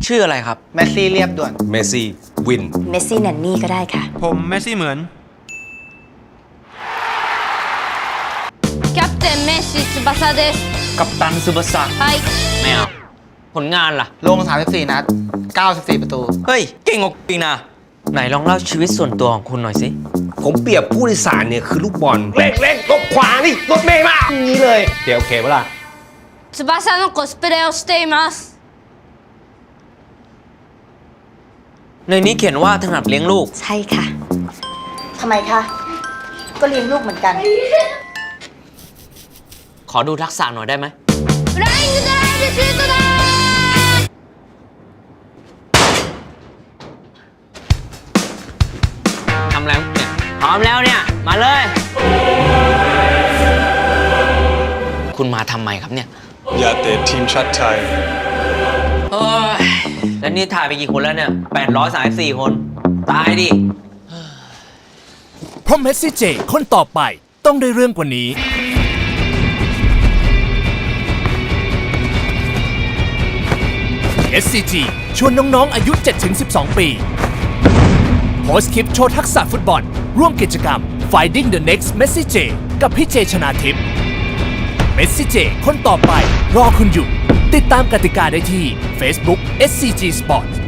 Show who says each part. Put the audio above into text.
Speaker 1: ชื่ออะไรครับ
Speaker 2: เมสซี่เรียบด่วน
Speaker 3: เมสซี่วิน
Speaker 4: เมสซี่แนนนี่ก็ได้ค่ะ
Speaker 5: ผมเมสซี่เหมือน
Speaker 6: キャプテンメッシ翼です。
Speaker 1: กัปตันซูบาสะ
Speaker 6: はい。
Speaker 1: ไม่เอาผลงานล่ะ
Speaker 2: ลง 34 นัด 94 ประตู
Speaker 1: เฮ้ย เก่งกว่าจริงนะ ไหนลองเล่าชีวิตส่วนตัวของคุณหน่อยสิ
Speaker 3: ผมเปรียบผู้โดยสารเนี่ยคือลูกบอลเร่งรถขวานี่รถเมย์มาอย่างนี้เลยเดี๋ยวโอเคปะล่ะ
Speaker 6: 翼のコスプレをしています。
Speaker 1: ในนี้เขียนว่าถนัดเลี้ยงลูก
Speaker 4: ใช่ค่ะทำไมคะก็เลี้ยงลูกเหมือนกัน
Speaker 1: ขอดูทักษะหน่อยได้ไหม
Speaker 6: フライングドライブシュートだ
Speaker 1: ทำแล้วเนี่ยพร้อมแล้วเนี่ย มาเลย คุณมาทำไมครับเนี่ย
Speaker 7: อยากเตะทีมชาติไทย
Speaker 1: เฮ้ย แล้วนี่ถ่ายไปกี่คนแล้วเนี่ย834 คน ตายดิ
Speaker 8: เพราะเมสซี่เจคนต่อไปต้องได้เรื่องกว่านี้ SCG ชวนน้องๆอายุ 7-12 ปีโพสต์คลิปโชว์ทักษะฟุตบอล ร่วมกิจกรรม Finding the Next Messi J กับพี่เจชนาทิพย์เมสซี่เจคนต่อไปรอคุณอยู่ ติดตามกติกาได้ที่ Facebook SCG Sport